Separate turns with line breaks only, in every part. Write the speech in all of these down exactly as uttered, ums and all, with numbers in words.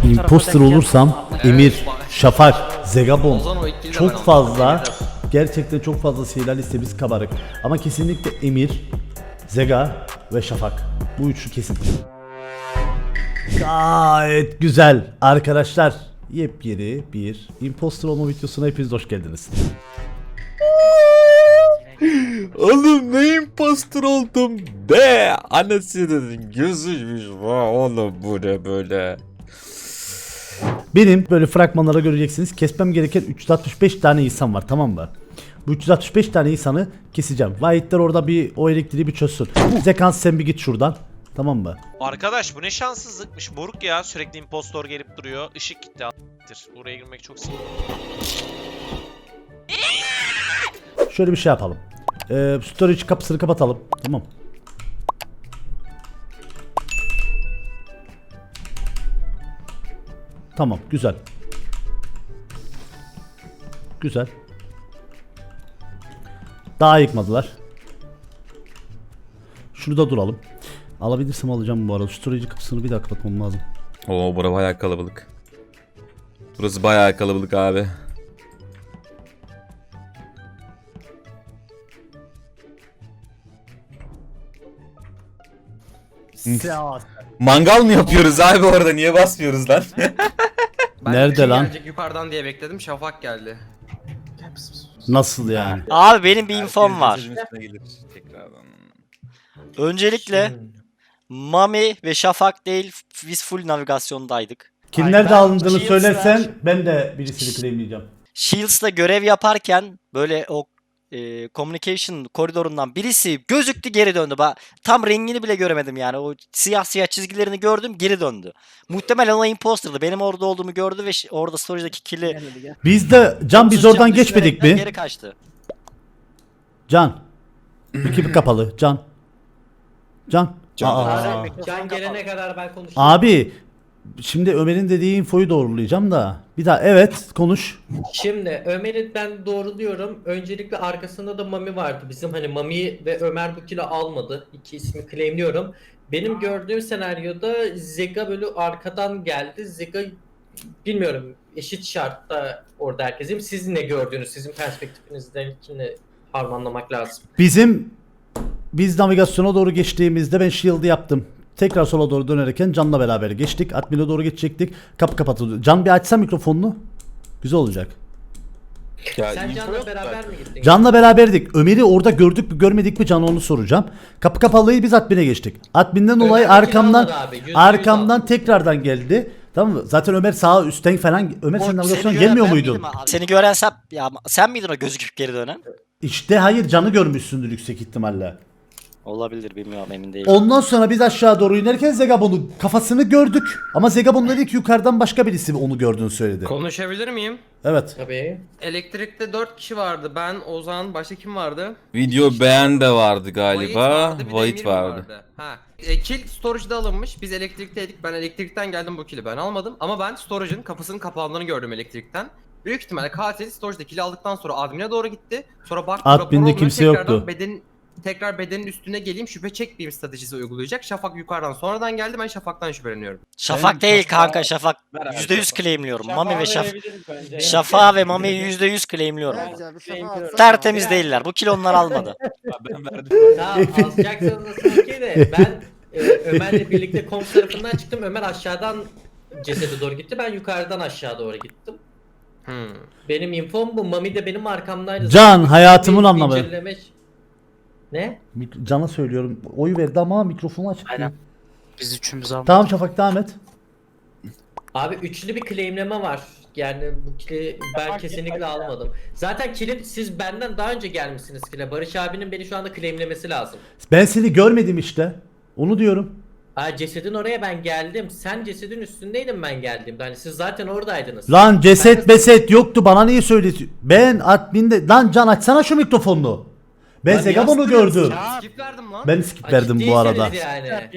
imposter olursam Emir, Şafak, Zegabon çok fazla, gerçekten çok fazla seyirler listemiz kabarık. Ama kesinlikle Emir, Zega ve Şafak. Bu üçü kesin. Gayet güzel arkadaşlar. Yepyeni bir imposter olma videosuna hepiniz hoş geldiniz.
Oğlum ne imposter oldum be. Anasının gözüymüş. Vay oğlum bu ne böyle.
Benim böyle fragmanlara göreceksiniz. Kesmem gereken üç yüz altmış beş tane insan var, tamam mı? Bu üç yüz altmış beş tane insanı keseceğim. Vahitler orada bir o elektriği bir çözsün. Zekans sen bir git şuradan. Tamam mı?
Arkadaş bu ne şanssızlıkmış moruk ya, sürekli impostor gelip duruyor. Işık gitti a**tir. Buraya girmek çok sıkıntı.
Şöyle bir şey yapalım. Ee, storage kapısını kapatalım. Tamam. Tamam, güzel. Güzel. Daha yıkmadılar. Şurada duralım. Alabilirsem alacağım bu arada. Storage kapısını bir daha kapatmam lazım.
Oo bura bayağı kalabalık. Burası bayağı kalabalık abi. Mangal mı yapıyoruz abi orada? Niye basmıyoruz lan?
Ben
Nerede
kim
lan?
Gelecek yukarıdan diye bekledim. Şafak geldi.
Nasıl yani?
Abi benim bir infom var.
Tekrardan.
Öncelikle Mami ve Şafak değil, biz full navigasyondaydık.
Kim nerede alındığını
Shields'lar-
söylersen ben de birisini claimleyeceğim.
Shields'la görev yaparken böyle o e, communication koridorundan birisi gözüktü, geri döndü. Ba tam rengini bile göremedim yani. O siyah siyah çizgilerini gördüm, geri döndü. Muhtemelen o imposter'dı. Benim orada olduğumu gördü ve ş- orada storage'daki kill'i
Biz de Can biz oradan geçmedik mi?
Geri kaçtı.
Can. Ekip kapalı. Can. Can. Aa.
Can gelene kadar ben konuşayım.
Abi şimdi Ömer'in dediği infoyu doğrulayacağım da. Bir daha evet konuş.
Şimdi Ömer'i ben doğruluyorum. Öncelikle arkasında da Mami vardı. Bizim hani Mami ve Ömer bu kilo almadı. İki ismi claimliyorum. Benim gördüğüm senaryoda Zega böyle arkadan geldi. Zega bilmiyorum eşit şartta orada herkesim. Siz ne gördünüz? Sizin perspektifinizden ikini harmanlamak lazım.
Bizim biz navigasyona doğru geçtiğimizde ben shield'ı yaptım. Tekrar sola doğru dönerken Can'la beraber geçtik. Admin'e doğru geçecektik. Kapı kapatıldı. Can bir açsa mikrofonunu. Güzel olacak.
Ya,
Sen
info
Can'la
yok
beraber
zaten.
mi gittin?
Can'la beraberdik. Ömer'i orada gördük mü görmedik mi Can'a onu soracağım. Kapı kapalıyı biz admin'e geçtik. Admin'den dolayı
Ömer
arkamdan
almadı abi, yüzde yüz
arkamdan
aldı.
tekrardan geldi. Tamam mı? Zaten Ömer sağa üstten falan. Ömer sen
O-
navigasyona
seni gören
gelmiyor
ben
muydun?
miydim abi? Seni gören sen, ya sen miydin o gözüküp geri dönen?
İşte hayır Can'ı görmüşsündür yüksek ihtimalle.
Olabilir, bilmiyorum, emin değilim.
Ondan sonra biz aşağı doğru inerken Zegabon'un kafasını gördük. Ama Zegabon dedi ki yukarıdan başka birisi onu gördüğünü söyledi.
Konuşabilir miyim?
Evet.
Tabii.
Elektrikte dört kişi vardı. Ben, Ozan, başka kim vardı?
Video beğen de vardı galiba.
Vahit vardı, bir de
Vahit
Emir
vardı.
Ha. E, kill storage'da alınmış. Biz elektrikteydik. Ben elektrikten geldim, bu kill'i ben almadım. Ama ben storage'ın kapısının kapandığını gördüm elektrikten. Büyük ihtimalle katil storage'da kill'i aldıktan sonra admin'e doğru gitti. Sonra baktı
Admin'de
rapor olmuyor,
kimse
tekrardan
yoktu.
Beden, tekrar bedenin üstüne geleyim, şüphe çekmeyeyim stratejisi uygulayacak. Şafak yukarıdan sonradan geldi, ben Şafak'tan şüpheleniyorum.
Şafak değil kanka, Şafak. yüzde yüz claimliyorum. Mami ve Şafak. Şafak ve Mami'yi yüzde yüz claimliyorum. Tertemiz değiller. Bu kilo onlar almadı.
Tamam alacaksanız nasıl okey de ben e, Ömer'le birlikte komp tarafından çıktım. Ömer aşağıdan cesede doğru gitti. Ben yukarıdan aşağı doğru gittim.
Hmm.
Benim infom bu. Mami de benim arkamdaydı.
Can,
Zaten
hayatımın
bir
anlamı.
inceleme- Ne?
Mik- Can'a söylüyorum. Oy verdi ama mikrofonu açık.
Aynen.
değil.
Biz üçümüz almadık.
Tamam Şafak devam et.
Abi üçlü bir claimleme var. Yani bu kili ben kesinlikle almadım. Zaten kilin siz benden daha önce gelmişsiniz kile. Barış abinin beni şu anda claimlemesi lazım.
Ben seni görmedim işte. Onu diyorum.
Aa cesedin oraya ben geldim. Sen cesedin üstündeydin ben geldiğimde. Hani siz zaten oradaydınız.
Lan
Ben
ceset
de-
beset yoktu bana niye söylüyorsun? Ben adminde lan Can açsana şu mikrofonunu. Ben
Lan
Zegabon'u
yastırıyorsun
gördüm.
Skip verdim lan.
Ben skip
Aa,
verdim bu
ciddiyseniz
arada.
Yani.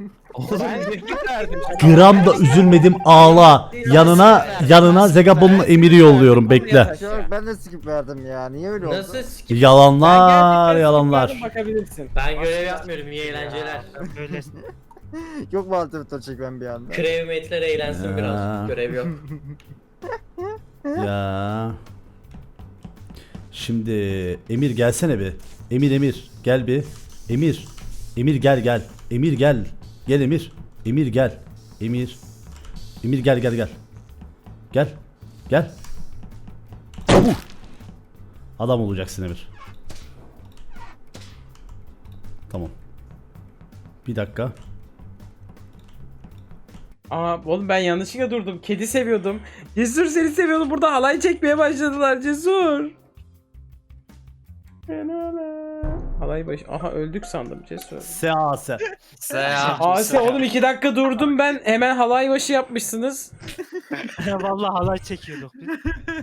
Gram da üzülmedim ağla. Yanına yanına Zegabon'un emiri yolluyorum bekle.
Yok ben de skip verdim ya. Niye öyle oldu?
Nasıl skip?
Yalanlar yalanlar.
Ben görev yapmıyorum. İyi eğlenceler.
Yok mu altı çekmem bir anda?
Crewmate'ler eğlensin
Ya.
biraz. Görev yok.
Ya. Şimdi Emir gelsene bir. Emir Emir gel bir. Emir. Emir gel gel. Emir gel. Gel Emir. Emir gel. Emir. Emir gel gel gel. Gel. Gel. Çabuk. Adam olacaksın Emir. Tamam. Bir dakika.
Aa oğlum ben yanlışlıkla durdum. Kedi seviyordum. Cesur seni seviyordum. Burada halay çekmeye başladılar Cesur. Halay baş... Aha öldük sandım Cesur.
Sease.
Seha.
Ase oğlum iki dakika durdum ben. Hemen halay başı yapmışsınız.
Vallahi halay çekiyorduk biz.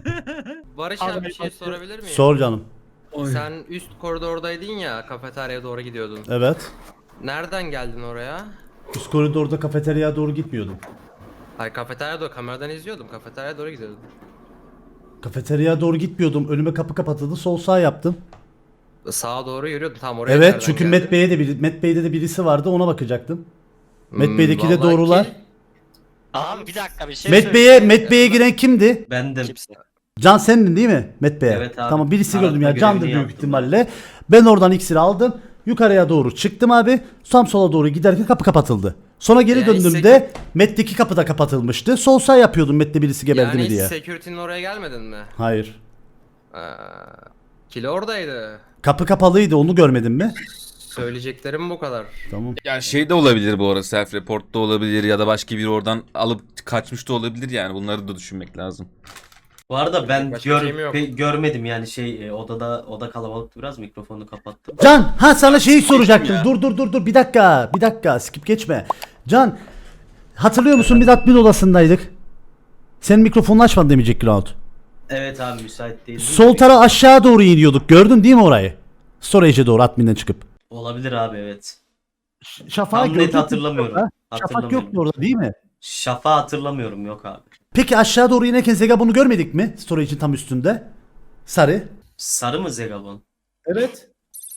Barış abi bir şey sorabilir miyim?
Sor canım.
Sen üst koridordaydın ya, kafeteryaya doğru gidiyordun.
Evet.
Nereden geldin oraya?
Üst koridorda kafeteryaya doğru gitmiyordum.
Hayır, kafeteryaya doğru, kameradan izliyordum. Kafeteryaya doğru gidiyordum.
Kafeteryaya doğru gitmiyordum. Önüme kapı kapatıldı. Sol sağ yaptım.
Sağa doğru yürüyordum. Tam oraya
Evet
nereden
çünkü
geldin?
Met Bey'e de biri, Met Bey'de de birisi vardı, ona bakacaktım. Met
Hmm,
Bey'deki de
vallahi
doğrular.
ki-
Abi bir dakika bir şey
Met Bey'e
söyleyeyim.
Met Bey'e giren kimdi?
Bendim.
Kimse.
Can sendin değil mi? Met Bey'e.
Evet abi.
Tamam birisi
Arada
gördüm ya.
görevini
Can'dır büyük
yaptım
ihtimalle. Ben oradan iksiri aldım. Yukarıya doğru çıktım abi. Tam sola doğru giderken kapı kapatıldı. Sonra geri
Yani
döndüğümde Met'teki kapı da kapatılmıştı. Sol sağ yapıyordum Met'te birisi geberdi
Yani
mi
hiç
diye.
security'nin oraya gelmedin mi?
Hayır.
Ee, Kilo oradaydı.
Kapı kapalıydı, onu görmedin mi?
Söyleyeceklerim bu kadar.
Tamam.
Ya şey de olabilir bu arada, self report da olabilir ya da başka biri oradan alıp kaçmış da olabilir, yani bunları da düşünmek lazım.
Bu arada ben
Başka
gör,
şeyim yok.
pe- görmedim yani şey e, odada oda kalabalıktı biraz, mikrofonu kapattım.
Can, ha sana şeyi soracaktım. Dur dur dur dur bir dakika. Bir dakika. Skip geçme. Can, hatırlıyor musun biz admin odasındaydık. Senin mikrofonunu açmadın demeyecek Ground.
Evet abi müsait değildim.
Sol tara aşağı doğru iniyorduk. Gördün değil mi orayı? Storage'e doğru adminden çıkıp.
Olabilir abi evet.
Şafak
Tam net hatırlamıyorum.
Şafak
Hatırlamıyorum.
yoktu orada değil mi?
Şafa hatırlamıyorum, yok abi.
Peki aşağı doğru inerken Zegabon'u görmedik mi? Storage'in tam üstünde. Sarı.
Sarı mı Zegabon?
Evet.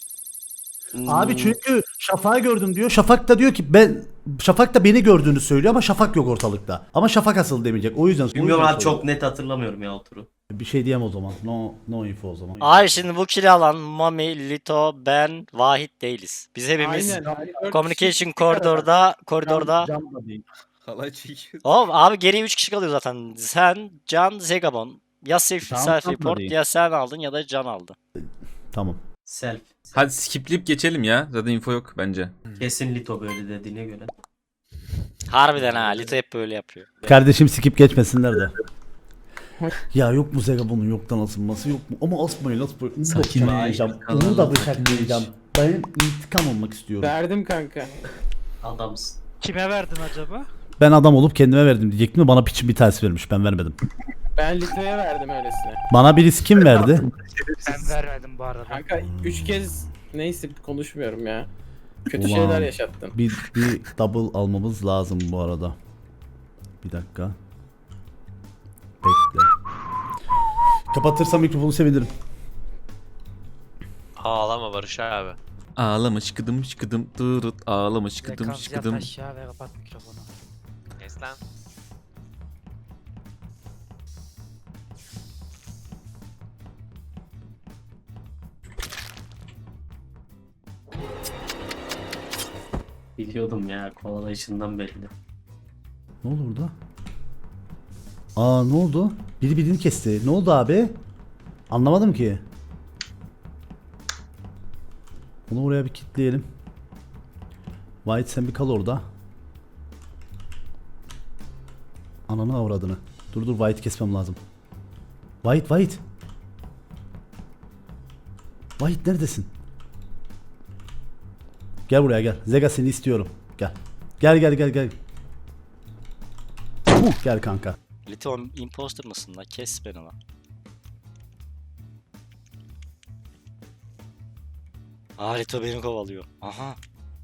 Hmm.
Abi çünkü Şafak'ı gördüm diyor. Şafak da diyor ki ben Şafak da beni gördüğünü söylüyor ama Şafak yok ortalıkta. Ama Şafak asıl demeyecek. O yüzden
Bilmiyorum
o yüzden
abi, çok net hatırlamıyorum ya o turu.
Bir şey diyemem o zaman. No no info o zaman.
Abi şimdi bu kili alan Mami, Lito, ben, Vahit değiliz. Biz hepimiz communication koridorda koridorda.
Can da değil.
Halay çekiyor.
Oğlum abi geriye üç kişi kalıyor zaten. Sen, Can, Zegabon. Ya self,
Can
self
da
report
değil.
ya sen aldın ya da Can aldı.
Tamam.
Self.
Hadi skipleyip geçelim ya. Zaten info yok bence.
Kesin Lito böyle dediğine göre.
Harbiden ha, Lito hep böyle yapıyor.
Kardeşim skip geçmesinler de. Ya yok mu Zegabon'un yoktan asılması, yok mu? Ama asmayın asmayın. Onu da
Sakin ol.
bıçaklayacağım. Onu da bıçaklayacağım. Ben intikam olmak istiyorum.
Verdim kanka.
Adamsın.
Kime verdin acaba?
Ben adam olup kendime verdim diyecektim de bana piçin bir tanesi vermiş. Ben vermedim.
Ben Lito'ya verdim öylesine.
Bana birisi kim verdi?
Ben vermedim bu arada.
Kanka üç kez neyse konuşmuyorum ya. Kötü
Ulan.
şeyler yaşattın.
Bir, bir double almamız lazım bu arada. Bir dakika. Bekle. Kapatırsam mikrofonu sevinirim.
Ağlama Barış abi.
Ağlama şıkıdım şıkıdım tırıt, ağlama şıkıdım
Frekans yat
şıkıdım.
aşağı ve kapat mikrofonu.
Kes lan.
Biliyordum ya, kovalayışından belli.
Ne oldu burada? Aa ne oldu? Biri birini kesti. Ne oldu abi? Anlamadım ki. Bunu oraya bir kilitleyelim. White sen bir kal orada. Ananı avradını. Dur dur White kesmem lazım. White White. White neredesin? Gel buraya gel. Zega seni istiyorum. Gel. Gel gel gel gel. Uh, gel kanka.
Lito imposter mısın la? Kes beni lan. Aa Lito beni kovalıyor. Aha.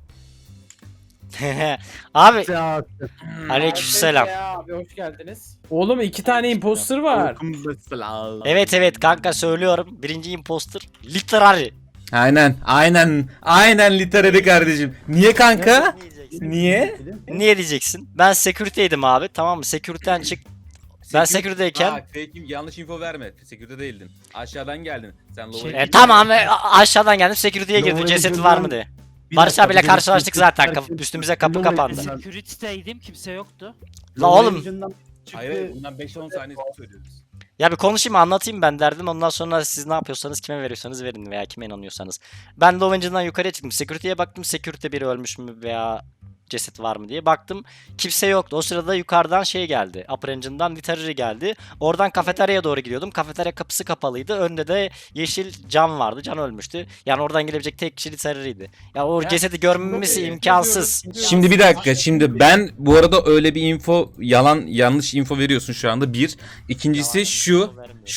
Abi aleykümselam.
Abi hoş geldiniz. Oğlum iki tane imposter var.
Evet evet kanka söylüyorum. Birinci imposter literary.
Aynen aynen aynen literary kardeşim. Niye kanka?
diyeceksin?
Niye?
Niye diyeceksin? Ben security'ydim abi, tamam mı? Security'den çık. Ben security'deyken
Bak fake'im, yanlış info verme. Security değildin. Aşağıdan geldin. Sen
Şey-
lower'a
e, tamam e, a- aşağıdan geldim security'ye girdim.
Lower
Cesedi
Engine'den
var mı diye.
Bir
Barış
dakika,
abiyle
bir
karşılaştık
dakika.
zaten. Kapı, üstümüze kapı
Lower
kapandı.
Engine'den-
Security'deydim kimse yoktu.
La oğlum.
Engine'den çıktı.
Hayır hayır, bundan beş on saniye söylüyoruz.
Ya bir konuşayım anlatayım ben derdim. Ondan sonra siz ne yapıyorsanız kime veriyorsanız verin veya kime inanıyorsanız. Ben Low Engine'dan yukarıya çıktım. Security'ye baktım. Security biri ölmüş mü veya ceset var mı diye baktım. Kimse yoktu. O sırada yukarıdan şey geldi. Upper Engine'dan Literary geldi. Oradan kafeteryaya doğru gidiyordum. Kafeterya kapısı kapalıydı. Önde de yeşil Can vardı. Can ölmüştü. Yani oradan gelebilecek tek kişi Literary'ydi. Ya o cesedi görmemiz imkansız.
Şimdi bir dakika, şimdi ben bu arada öyle bir info, yalan yanlış info veriyorsun şu anda. Bir. İkincisi şu,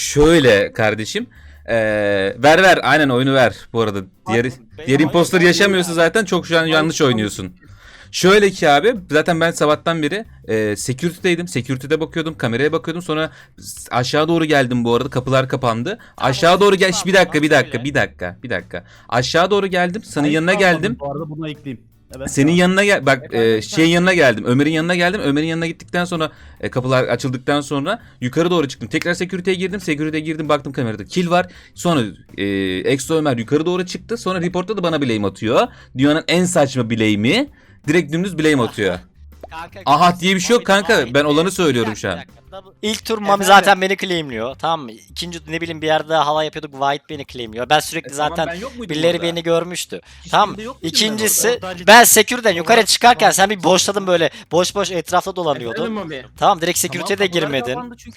şöyle kardeşim. Ee, ver ver, aynen oyunu ver bu arada. Diğer, diğer imposter yaşamıyorsa zaten çok şu an yanlış oynuyorsun. Şöyle ki abi, zaten ben sabahtan beri e, security'deydim. Security'de bakıyordum, kameraya bakıyordum. Sonra aşağı doğru geldim bu arada. Kapılar kapandı. Aşağı doğru gel. Bir dakika, bir dakika, bir dakika, bir dakika. Aşağı doğru geldim. Senin
Hayır,
yanına
kalmadım.
geldim.
Bu arada bunu ekleyeyim. Evet.
Senin yanına gel, bak e, şeyin yanına geldim. Ömer'in yanına geldim. Ömer'in yanına gittikten sonra e, kapılar açıldıktan sonra yukarı doğru çıktım. Tekrar security'ye girdim. Security'ye girdim, baktım kamerada kill var. Sonra e, Exo Ömer yukarı doğru çıktı. Sonra reportta da bana blame atıyor. Dünyanın en saçma blame'i. Direkt dümdüz blame atıyor.
Kanka,
Aha diye bir şey yok kanka.
Mami,
Ben olanı
bir
söylüyorum
dakika,
şu an.
bir dakika. İlk tur Mami zaten beni claimliyor. Tamam mı? İkinci ne bileyim bir yerde hava yapıyorduk. White beni claimliyor. Ben sürekli zaten birileri beni görmüştü. Tamam. İkincisi ben security'den yukarı çıkarken sen bir boşladın böyle. Boş boş etrafta dolanıyordun. Tamam, direkt security'ye de girmedin.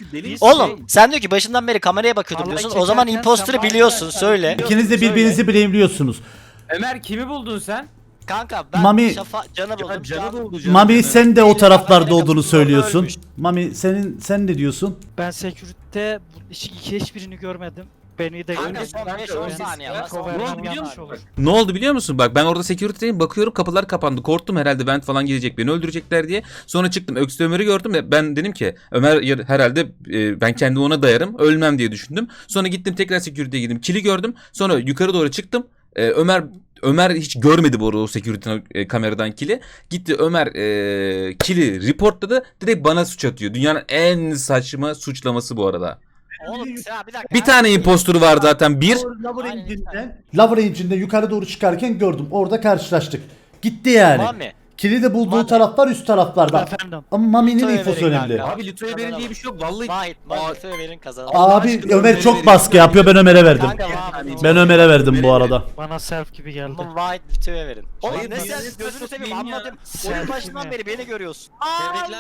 Oğlum sen diyor ki başından beri kameraya bakıyordum
Vallahi
diyorsun. O zaman
çekerken
imposter'ı
sen
biliyorsun.
bağırırsan-
Söyle.
İkiniz de birbirinizi blame'liyorsunuz.
Ömer kimi buldun sen?
Kanka ben
Mami-
Şafa Can'ı buldum. Can-
Mami sen de o taraflarda
Kamerayla
olduğunu
kapısı
söylüyorsun.
ölmüş.
Mami senin sen ne diyorsun?
Ben security'de bu- hiç, hiçbirini görmedim. Beni de
Kanka
görmedim.
son beş on saniye var.
Info vermem yanlış olur.
Ne oldu biliyor musun? Bak ben orada security'deyim, bakıyorum kapılar kapandı. Korktum herhalde vent falan gelecek, beni öldürecekler diye. Sonra çıktım, Öksü Ömer'i gördüm ve ben dedim ki Ömer yar- herhalde e, ben kendimi ona dayarım, ölmem diye düşündüm. Sonra gittim tekrar security'ye girdim. Kili gördüm. Sonra yukarı doğru çıktım. E, Ömer Ömer hiç görmedi bu arada o security e, kameradan kili. Gitti Ömer e, kili reportladı. Direkt bana suç atıyor. Dünyanın en saçma suçlaması bu arada.
Oğlum ya bir dakika.
Bir tane impostor var zaten. Bir.
Lower
Aynen,
Engine'den, Lower Engine'den yukarı doğru çıkarken gördüm. Orada karşılaştık. Gitti yani.
Mami.
Kili de bulduğu
Mami.
taraflar üst taraflarda.
Efendim.
Ama Mami'nin
Lütfen
infosu
verin
önemli.
kanka.
Abi Lütfü'ye verin diye bir şey yok. Vallahi
Vahit, Mami verin kazanalım.
Abi
aşkına
Ömer
Ömer'e
çok
verin.
baskı yapıyor, ben Ömer'e verdim.
Kanka Vahit.
Ben Ömer'e verdim bu arada.
Bana self gibi geldi.
Oğlum Vahit Lütfü'ye verin. Oğlum
Hayır,
ne
biz-
sen
biz-
gözünü seveyim
biz-
anladım.
Selfie
Oyun başından
mi?
beri beni görüyorsun.
Tebrikler.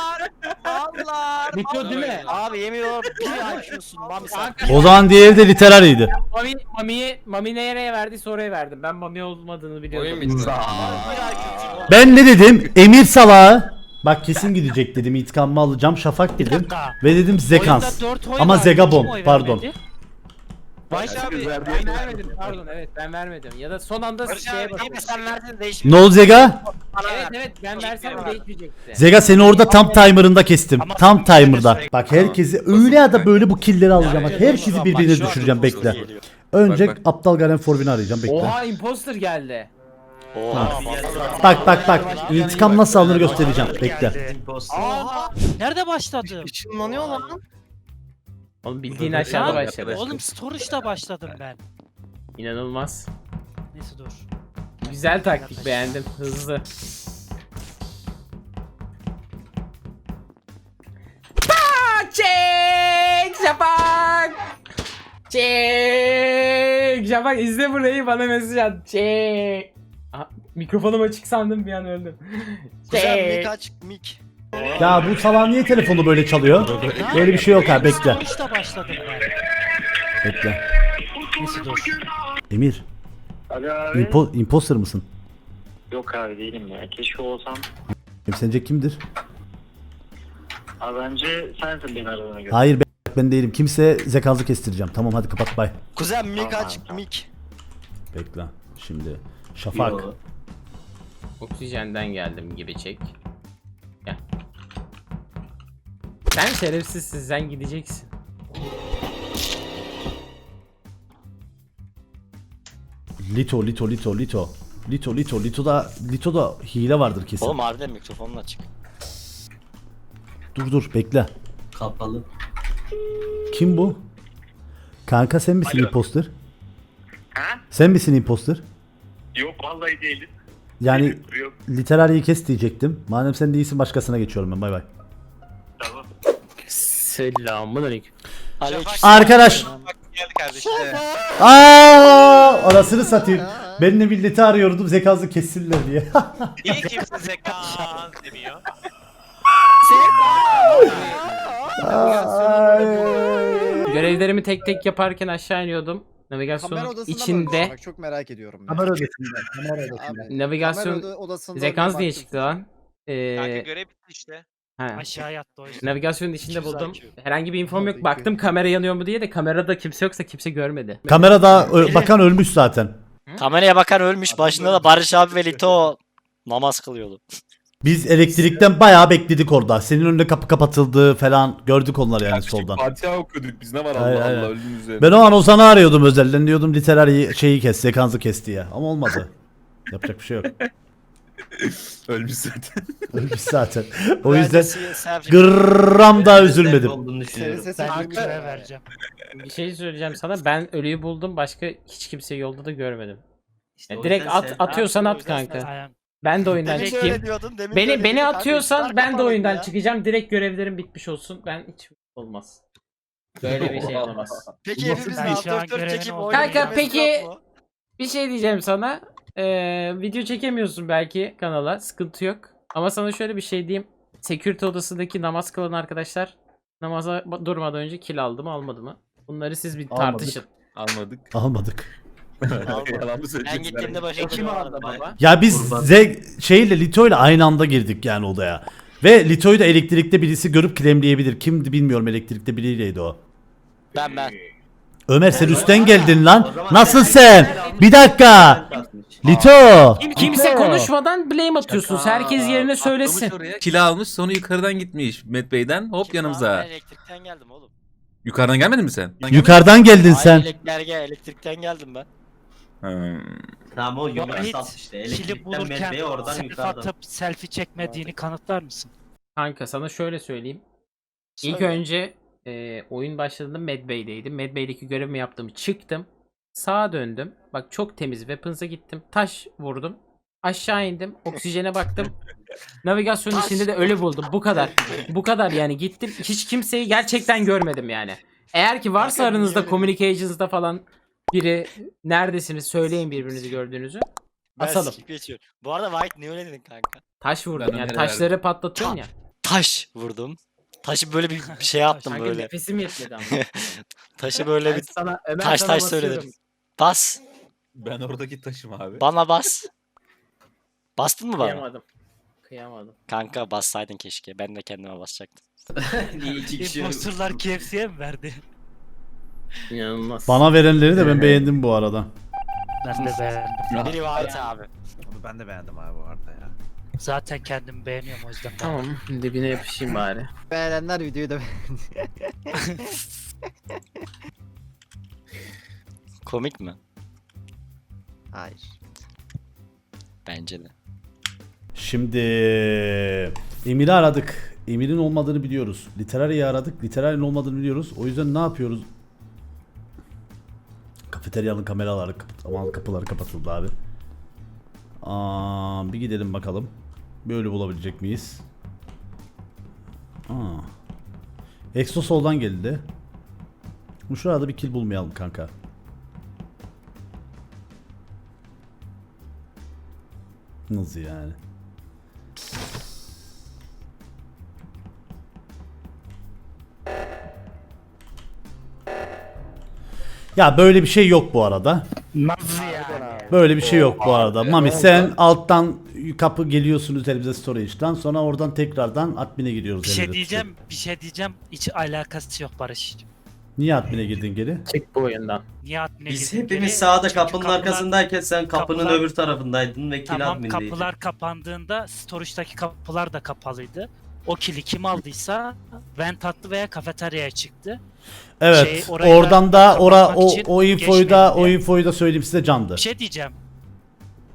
Allah.
Lütfü değil mi?
Abi yemin ediyorum bir I Q'sun Mami sen.
O zaman diğeri de literariydi.
Mami, Mami'ye, Mami nereye verdiyse oraya verdim. Ben Mami olmadığını biliyordum.
oyun bitti.
Bir I Q'sun.
Ben ne dedim? Emir salağı. Bak kesin gidecek dedim. İntikamımı alacağım. Şafak
Bir
dedim.
dakika.
Ve dedim Zekans.
Oyunda dört oy
Ama
vardı,
Zegabon,
kim oy
pardon.
vermedi?
Barış abi ben vermedim pardon evet ben vermedim. Ya da son anda
Barış
şeye
abi değil mi
bakıyorum.
sen verdin
Ne
değişmiyor.
oldu Zega?
Evet evet ben versem değişmeyecekti.
Zega seni orada tam timer'ında kestim. Tam timer'da. Bak herkesi öyle ya da böyle bu killleri alacağım. Bak herkesi birbirine düşüreceğim, bekle. Önce
Bak,
aptal Garen Forvin'i arayacağım, bekle.
Oha imposter geldi.
Oha.
Bak bak bak. İntikam nasıl alınır göstereceğim. Bekle.
Aa, nerede başladım?
Işınlanıyor lan.
Oğlum bildiğin aşağıda
Ya,
başladı.
Oğlum storage'da başladım ben.
İnanılmaz.
Neyse dur.
Güzel taktik, beğendim. Hızlı. Çek Şafak. Çek Şafak izle burayı, bana mesaj at. Çek. Aha, mikrofonum açık sandım, bir an öldüm.
Güzel
Çek.
mik aç mik.
Ya bu salak niye telefonu böyle çalıyor? Böyle bir şey yok ha, bekle.
Storage'da başladım ben.
Bekle.
Neyse dur.
Emir.
Alo abi.
Impo imposter mısın?
Yok abi değilim ya. Keşke olsam.
Em sence kimdir?
Abi bence sensin beni aradığına göre.
Hayır be, ben değilim. Kimse zekazı kestireceğim. Tamam hadi kapat, bay.
Kuzen mik
Tamam,
aç
tamam.
mik.
Bekle. Şimdi Şafak.
Yo.
Oksijenden geldim gibi çek. Gel. Sen şerefsizsin, sen gideceksin.
Lito, Lito, Lito, Lito. Lito, Lito, Lito'da Lito'da hile vardır kesin.
Oğlum harbiden mikrofonun açık.
Dur dur bekle.
Kapalı.
Kim bu? Kanka sen misin
Alo.
imposter?
Ha?
Sen misin imposter?
Yok vallahi değiliz.
Yani
Yok.
literariyi kes diyecektim. Madem sen değilsin başkasına geçiyorum ben. Bay bay.
Tamam.
Selamünaleyküm.
Arkadaş.
Bak geldi kardeşim.
Aa, arasını satayım. Ben de milleti arıyordum zekası kessinler diye.
Niye kimse zekan demiyor?
Görevlerimi tek tek yaparken aşağı iniyordum. Navigasyonun içinde.
Çok merak ediyorum.
Kamera odasında. Kamera odasında.
Navigasyon zekans diye çıktı lan.
Kanka
Ee,
görev bitti işte.
ha.
Aşağı yattı o yüzden.
Navigasyonun içinde
iki yüz
buldum.
I Q.
Herhangi bir infom yok. Baktım kamera yanıyor mu diye de kamerada kimse yoksa kimse görmedi.
Kamerada ö- bakan ölmüş zaten.
Kameraya bakan ölmüş. Başında da Barış abi ve Lito namaz kılıyordu.
Biz elektrikten bayağı bekledik orada. Senin önünde kapı kapatıldı falan gördük onları yani soldan.
Fatiha okuduk biz ne var
Hayır,
Allah
hayır.
Allah ölüm üzerine.
Ben o an Ozan'ı arıyordum özelden diyordum literary şeyi kes, sekansı kes diye. Ama olmadı. Yapacak bir şey yok.
Ölmüş zaten.
Ölmüş zaten. O yüzden
Selfie-
gram daha üzülmedim.
Olduğunu düşünüyorum.
Ben görev vereceğim.
Bir şey söyleyeceğim sana. Ben ölüyü buldum. Başka hiç kimseyi yolda da görmedim.
İşte
Yani
o
direkt
yüzden
at
sen-
atıyorsan
o
at
yüzden
kanka.
Aynen.
Ben de oyundan
Demin
çıkayım.
öyle diyordun, demin
Beni
öyle
beni
diyordun.
atıyorsan
Kanka,
ben de
kapatalım
oyundan
ya.
çıkacağım. Direkt görevlerim bitmiş olsun. Ben hiç olmaz. Böyle bir şey olamaz.
Peki hepimiz
Ben şu an
altı dört
görevini
çekip
oldum.
oynayacağız.
Kanka, peki- Bir şey diyeceğim sana. Ee, video çekemiyorsun belki kanala. Sıkıntı yok. Ama sana şöyle bir şey diyeyim. Security odasındaki namaz kılan arkadaşlar namaza ba- durmadan önce kill aldı mı almadı mı? Bunları siz bir
Almadık.
tartışın.
Almadık.
Almadık.
Yalan mı
Ben
söyleyeceksin?
gittiğimde başka
Kim aldı baba?
Ya biz
Kurban.
Ze şeyle Lito'yla aynı anda girdik yani odaya. Ve Lito'yu da elektrikte birisi görüp kremleyebilir. Kimdi bilmiyorum, elektrikte biriyleydi o.
Ben ben.
Ömer sen üstten geldin
O
lan.
zaman
Nasıl
sen-
sen? Bir dakika.
Atmış.
Lito.
Kim, kimse konuşmadan blame atıyorsunuz. Herkes yerine söylesin.
Kila almış sonra yukarıdan gitmiş Met Bey'den hop
Kim
yanımıza.
abi? Ben elektrikten geldim oğlum.
Yukarıdan gelmedin mi sen?
Yukarıdan geldin
Hayır,
sen.
elektrikten, elektrikten geldim ben.
Hmm.
Tamam o yukarı
Vahit,
sat işte.
Kili
Elektrikten
bulurken
medbeye oradan
selfie
yukarıdan.
atıp selfie çekmediğini kanıtlar mısın?
Kanka sana şöyle söyleyeyim. İlk
Söyle.
önce e, oyun başladığında Medbay'deydim. Medbay'deki görevimi yaptım. Çıktım. Sağa döndüm. Bak çok temiz. Weapons'a gittim. Taş vurdum. Aşağı indim. Oksijene baktım. Navigasyonun içinde de ölü buldum. Bu kadar. Bu kadar yani. Gittim. Hiç kimseyi gerçekten görmedim yani. Eğer ki varsa
Kanka,
aranızda
niye
communications'da falan biri neredesiniz söyleyin birbirinizi gördüğünüzü.
Ben
Asalım.
skip geçiyorum. Bu arada White niye öyle dedin kanka?
Taş vurdum
Ben
yani.
Ömer'e
Taşları patlatıyorsun ya.
Taş vurdum. Taşı böyle bir bir şey yaptım
Kanka
böyle.
nefesim yetmedi ama.
Taşı böyle bir
sana, Ömer
taş
sana
taş
basıyorum.
söyledim. Bas.
Ben oradaki taşım abi.
Bana bas. Bastın mı bana?
Kıyamadım. Kıyamadım.
Kanka bassaydın keşke. Ben de kendime basacaktım.
Niye iki kişi
Imposterlar K F C'ye mi verdi?
İnanılmaz.
Bana verenleri de ben beğendim bu arada.
Ben de beğendim.
Biri White abi.
Onu ben de beğendim abi bu arada ya.
Zaten kendimi beğeniyorum o yüzden.
Tamam, dibine yapışayım bari.
Beğenenler videoyu da
Komik mi?
Hayır.
Bence de.
Şimdi Emir'i aradık. Emir'in olmadığını biliyoruz. Literary'i aradık. Literary'nin olmadığını biliyoruz. O yüzden ne yapıyoruz? Kafeteryanın kameraları kapat- aman kapıları kapatıldı abi. Aa, bir gidelim bakalım. Böyle bulabilecek miyiz? Aa. Exo soldan geldi. Bu şurada bir kill bulmayalım kanka. Nasıl yani? Ya böyle bir şey yok bu arada.
Nasıl yani?
Böyle bir şey yok bu arada. Mami sen alttan kapı geliyorsun üzerimize storage'dan, sonra oradan tekrardan admin'e gidiyoruz.
Bir şey
elimize
diyeceğim, bir şey diyeceğim. Hiç alakası yok Barış.
tutup. Niye admin'e girdin geri?
Çık bu oyundan.
Niye admin'e
Biz
girdin
hepimiz
geri?
sağda
Çünkü
kapının
kapılar-
arkasındayken sen kapının
kapılar-
öbür tarafındaydın ve kill
Tamam,
admindeydin.
kapılar kapandığında storage'daki kapılar da kapalıydı. O kili kim aldıysa vent attı veya kafeteryaya çıktı.
Evet.
Şey, orayı
oradan
da
da ora
kapatmak
o
için
o infoyu da
geçmedi
o
diye.
infoyu da söyleyeyim size candı.
Bir şey diyeceğim.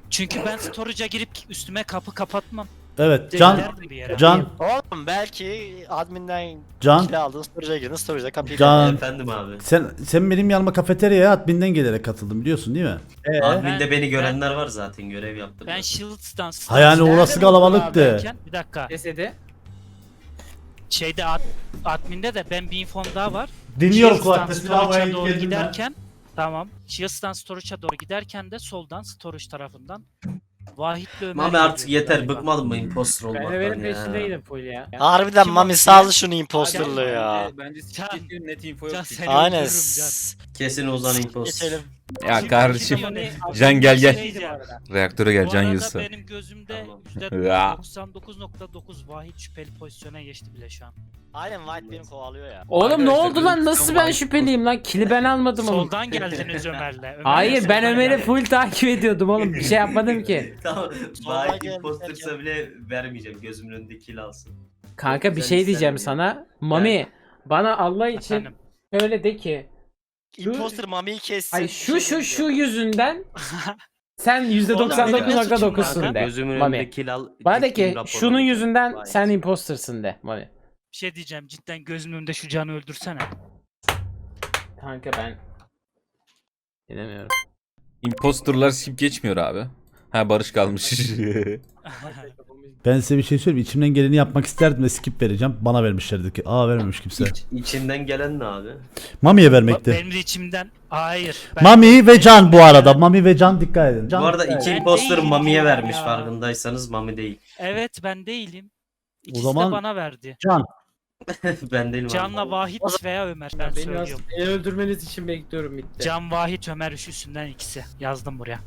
Çünkü ben storage'a girip üstüme kapı kapatmam.
Evet Can,
Giderdim bir yere.
Can,
Oğlum belki adminden
Can,
kill aldın, storage'a girdin, storage'da kapıyı
Can.
Efendim abi.
sen sen benim yanıma kafeteryaya adminden gelerek katıldın biliyorsun değil mi?
Admin'de beni görenler var zaten, görev yaptım.
Ben Shields'tan
Ha yani orası kalabalıktı.
derken- Bir dakika.
Cesedi.
Şeyde ad, admin'de de ben bir infom daha var.
Dinliyorum
Shields'tan
kulakta silahı
storage'a doğru
girdim ben.
giderken tamam. Shields'tan storage'a doğru giderken de soldan storage tarafından Vahit'le Ömer
Mami artık
geliyor
yeter,
galiba.
bıkmadın mı imposter
Ben
olmaktan
Ömer'in
ya?
peşindeydim full ya.
Harbiden
Kim
Mami
o?
saldı şunu imposterlığı ya.
Bence, bence
Can,
siktir net info yok.
Can
çünkü.
seni
Aynen.
öldürürüm Can.
Kesin Ozan imposter.
Geçelim.
Ya kardeşim.
Şimdi-
Can gel gel.
Şey diyeceğim.
Reaktöre gel
Bu
Can
arada
Yılsa.
benim gözümde
Tamam.
yüzde
Ya.
doksan dokuz nokta dokuz Vahit şüpheli pozisyona geçti bile şu an.
Aynen White beni kovalıyor ya.
Oğlum ne
Arkadaşlar,
oldu lan?
ben
Nasıl
tamam,
ben şüpheliyim lan? Kili ben almadım oğlum.
Soldan geldiniz Ömer'le. Ömer'le
Hayır ben
soldan
Ömer'i
geldiniz.
full takip ediyordum oğlum. Bir şey yapmadım ki.
Tamam.
Sonra
Vahit
geldi
impostersa bile vermeyeceğim. Gözümün önünde kill alsın.
Kanka bir
Sen
şey diyeceğim
istemiyorum.
sana. Mami bana Allah için
Efendim.
öyle de ki.
Imposter Mami'yi kessin.
Ay şu şu şu yüzünden sen yüzde
Oğlum,
doksan dokuz
benim ne
nokta
suçum
dokuzsun
var?
de.
Gözümün
Mami.
önünde kill al.
Bana de
gittim
ki
raporladım.
şunun yüzünden
Vahit.
sen impostersın de Mami.
Bir şey diyeceğim cidden gözümün önünde şu canı öldürsene.
Kanka ben bilemiyorum.
Imposterlar skip geçmiyor abi. Ha Barış kalmış.
Ben size bir şey söyleyeyim. İçimden geleni yapmak isterdim ve skip vereceğim. Bana vermişlerdi ki. Aa vermemiş kimse.
İç, içinden gelen ne abi?
Mami'ye vermekti.
Benim de içimden hayır. Ben
Mami ve Can bu arada. Mami ve Can dikkat edin. Can
Bu arada
dikkat
iki
edin.
Ben
imposter
değilim
Mami'ye
diyorum
vermiş
ya.
farkındaysanız, Mami değil.
Evet ben değilim. İkisi
zaman-
de bana verdi.
Can.
Ben değilim abi.
Can'la Vahit veya Ömer ben söylüyorum.
beni öldürmeniz için bekliyorum bitti.
Can, Vahit, Ömer üçüsünden ikisi. Yazdım buraya.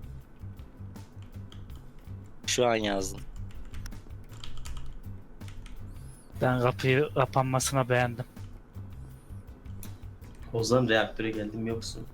Şu an yazdım.
Ben kapıyı kapanmasına beğendim.
Ozan reaktöre geldim yoksun.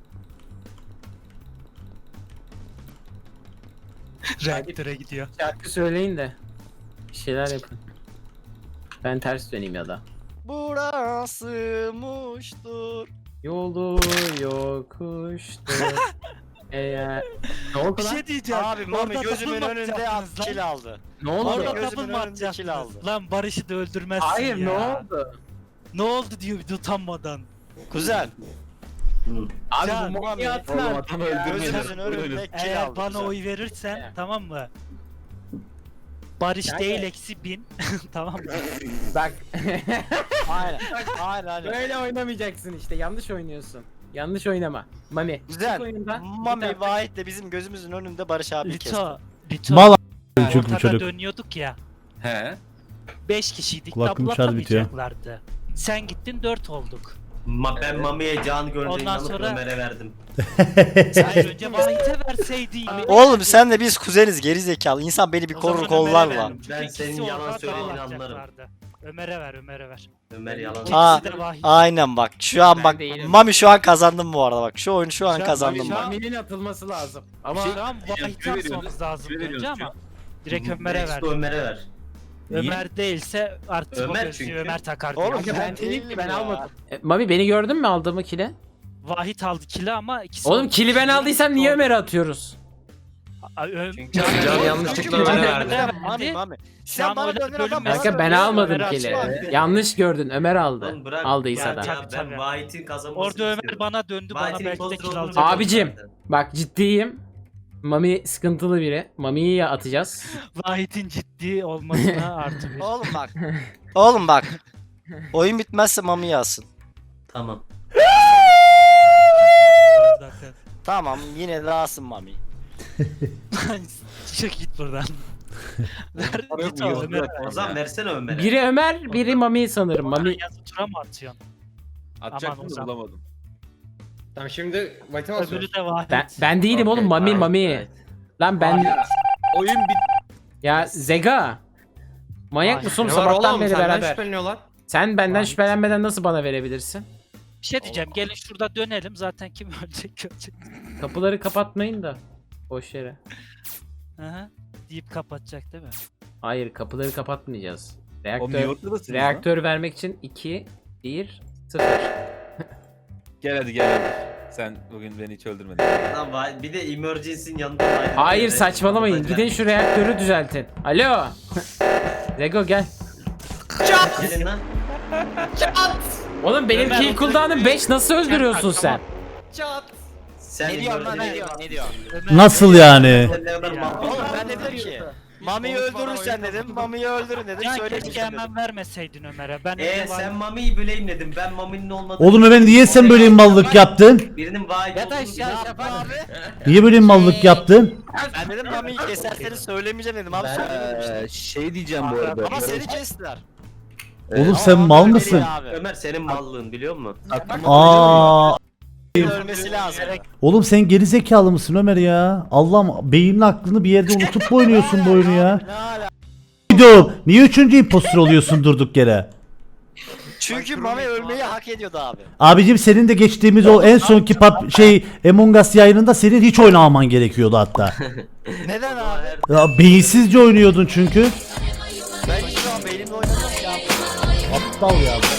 Reaktöre gidiyor.
Şarkı söyleyin de bir şeyler yapın. Ben ters döneyim ya da.
Burası muştur.
Yolu yokuştur. Eğer... Ne oldu
Bir
lan?
şey diyeceğim.
Abi Mami
Orada
gözümün
double
önünde
atacaktınız lan.
kill aldı.
Ne oldu?
Orada
Orada
gözümün
double mı
önünde kill
atacaktınız?
aldı.
Lan Barış'ı da öldürmezsin
Hayır
ya.
ne oldu?
Ne oldu diyor bir de utanmadan.
Kuzen.
Abi
Can,
bu Mami'yi atın artık ya.
Gözümüzün önünde kill
Eğer
aldı.
bana
kuzen.
oy verirsen
Evet.
tamam mı? Barış
Yani-
değil eksi bin. Tamam mı?
Bak.
Aynen. Aynen aynen.
Böyle oynamayacaksın işte. Yanlış oynuyorsun. Yanlış oynama. Mami.
Güzel.
çık oyundan.
Mami
Bir dakika.
Vahit de bizim gözümüzün önünde Barış abi kesti.
Lito. Lito.
Mal a- çünkü bu
Ortada
çocuk.
dönüyorduk ya.
He.
beş kişiydik.
Kulaklığım
Double
şarj bitiyor.
atamayacaklardı. Sen gittin dört olduk.
Ma ben Mami'ye can görünce
Ondan
inanıp
sonra-
Ömer'e verdim.
Hayır önce Vahit'e verseydin.
Oğlum sen de biz kuzeniz geri zekalı. İnsan beni bir
O
korur
zaman
kollar
Ömer'e
lan.
ver. Çünkü
Ben
ikisi
senin yalan
ortada
söylediğini
atacaklardı. Ömer'e ver, Ömer'e ver.
Ömer yalan.
Aa,
İkisi de Vahit.
Aynen bak. Şu an
Ben
bak.
değilim.
Mami şu an kazandım bu arada bak. Şu oyunu şu an
Şu an
kazandım
Mami-
bak.
Mami'nin atılması lazım. Ama
Şu an Vahit'e
Kime veriyoruz?
atmamız lazım
Kime
önce
veriyoruz
ama direkt Ömer'e ver.
Next Ömer'e ver. Niye?
Ömer değilse artık
Ömer
o gözlüğü
çünkü.
Ömer takar.
Oğlum
diyor.
ben
ben
değilim
değilim
ben
ya.
almadım. E, Mami beni gördün mü aldığımı kile?
Vahit aldı kili ama ikisi
Oğlum
oldu.
kili ben aldıysam niye
Oldu.
Ömer'e atıyoruz?
Aa, Ö-
Çünkü-
Can,
Can
Can
yanlışlıkla
Ömer'e
Ömer'e
verdi.
Mami Mami.
Şu
Sen
an
bana
oylar
döndün adam
bölünmez.
bana
Kanka ben
döndü.
almadım
Ömer'e
kili.
açma.
Yanlış gördün Ömer aldı.
Oğlum bırak.
Aldıysa
Ya,
da.
ya
Tabii,
ben
tabii.
Vahit'in kazanmasını
Orada Ömer
istiyorum.
bana döndü bana
Vahit'in
belki de
imposter
kill
olduğunu
alacak.
Abicim.
zaten.
Bak ciddiyim. Mami sıkıntılı biri. Mami'yi ya atacağız.
Vahit'in ciddi olmasına artı bir.
Oğlum bak. Oğlum bak. Oyun bitmezse Mami'yi alsın.
Tamam.
Zaten.
Tamam yine de alsın Mami.
Çık git buradan. Ver, git o Ömer'e ver.
O zaman versene Ömer'e.
Biri Ömer, biri Mami sanırım. Mami
Yazı tura mı atıyorsun?
Atacaktım
Ozan.
da bulamadım.
Tamam şimdi Vahit'e mi
Öbürü de Vahit.
ben ben değilim oğlum
Okey,
Mami
Vahit,
Mami.
Vahit.
Lan ben
Oyun bit.
ya Zega. Manyak
Vahit.
mısın
Ne var
sabahtan
oğlum
beri
senden
beraber?
şüpheleniyorlar.
Sen benden
Vahit.
şüphelenmeden nasıl bana verebilirsin?
Bir şey diyeceğim gelin şurada dönelim zaten kim ölecek görecek.
Kapıları kapatmayın da. Boş yere.
Aha. Deyip kapatacak değil mi?
Hayır kapıları kapatmayacağız.
O
Reaktör,
New York'tadasınız lan.
reaktör vermek için iki, bir, sıfır.
Gel hadi gel hadi. Sen bugün beni hiç öldürmedin.
Lan vay- bir de emergency'nin yanında vardı.
Hayır
Evet,
saçmalamayın.
orada
Gidin şu reaktörü düzeltin. Alo. Zego gel.
Gelin lan.
Oğlum benim kill cooldown'ım beş nasıl öldürüyorsun sen?
Sen
Ne diyorsun lan ne
emergency-
diyorsun ne diyorsun?
Nasıl yani?
Sen ne kadar mal-
Oğlum ben de dedim ki Mami'yi öldürürsen dedim, Mami'yi öldürün dedim.
Ya
Söyledim
keşke hemen vermeseydin Ömer'e. Ben
Eee
evde var-
sen Mami'yi böleyimledin. Ben Mami'nin olmadığını...
Oğlum Ömer niye sen böyle mallık yaptın?
Birinin vay
Yat
olduğunu
aşağı
biliyorum.
Şafak abi.
Niye böyle mallık yaptın?
Ben dedim Mami'yi keserseniz söylemeyeceğim dedim abi söylemedim işte.
şey diyeceğim bu arada.
Ama seni kestiler.
Oğlum sen mal mısın?
Abi.
Ömer senin mallığın biliyor musun?
Aa,
Ölmesi lazım.
oğlum sen geri zekalı mısın Ömer ya? Allah'ım beynin aklını bir yerde unutup mu oynuyorsun bu oyunu ya?
Ne ala?
Video niye üçüncü impostor oluyorsun durduk yere?
Çünkü Mami ölmeyi hak ediyordu abi.
Abicim senin de geçtiğimiz o en sonki pap şey Among Us yayınında senin hiç oynamaman gerekiyordu hatta.
Neden abi?
Ya beyinsizce oynuyordun çünkü.
Ben hiç şu an beynimle oynamıyorum ya.
Aptal ya.